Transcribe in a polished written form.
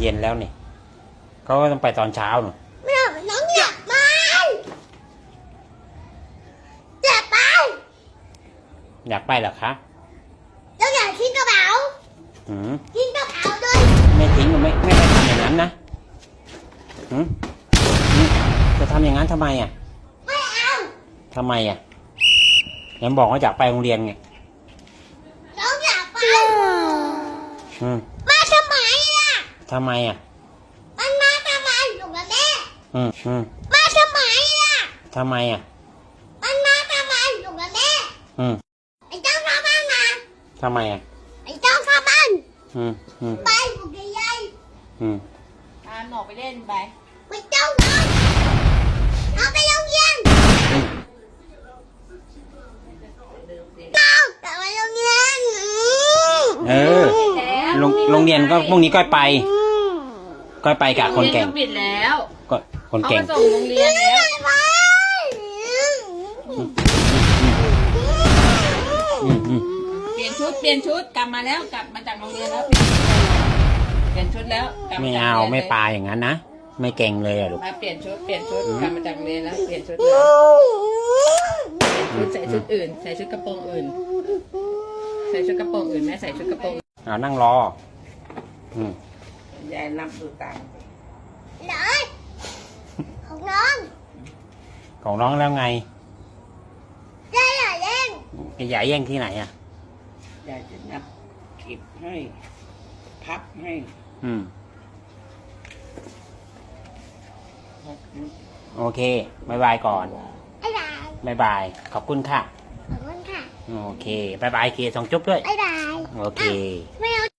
เย็นแล้วนี่เขาก็ต้องไปตอนเช้าหนูไม่เอาน้องอยากไปอยากไปอยากไปเหรอคะต้องอยากทิ้งกระเป๋าหืมทิ้งกระเป๋าเลยไม่ทิ้งไม่ได้ทำอย่างนั้นนะหืมจะทำอย่างนั้นทำไมอ่ะไม่เอาทำไมอ่ะยังบอกว่าอยากไปโรงเรียนไงน้องอยากไปอืมมาทำไมล่ะทำไมอ่ะมันมาทำไมอยู่กับแม่อืมมาทำไมล่ะทำไมอ่ะมันมาทำไมอยู่กับแม่อืมไอ้เจ้าข้าบ้านมาทำไมอ่ะไอ้เจ้าข้าบ้านอืมไปอยู่กับยายอืมหนออกไปเล่นไปไปเจ้าน้องเอาไปโรงเรียนน้องกลับไปโรงเรียนเออโรงเรียนก็พรุ่งนี้ก้อยไปก้อยไปกับคนเก่งโรงเรียนก็ปิดแล้วก็คนเขาเก่งมาส่งโรงเรียนแล้วไปเปลี่ยนชุดกลับมาแล้วกลับมาจากโรงเรียนแล้วเปลี่ยนชุดแล้วกลับไม่จกเอาโรงรียนไม่ปลาอย่างนั้นนะไม่เก่งเลยอ่ะลูกมาเปลี่ยนชุดกลับมาจากโรงเรียนแล้วเปลี่ยนชุดเลยใส่ชุดอื่นใส่ชุดกระโปรงอื่นใส่ชุดกระโปรงอื่นแม่ใส่ชุดกระโปรงเอานั่งรอ อืมยายนับดูตังค์ไหนของน้องของน้องแล้วไงได้อย่าเล่นใหญ่าแย่งที่ไหนอ่ะยายจะนับเก็บให้พับให้อืม โอเคบายบายก่อนไอ้ดายบายบาย ขอบคุณค่ะขอบคุณค่ะโอเคบายบายเคส่งจุ๊บด้วยไอ้ดายโอเคไม่เอา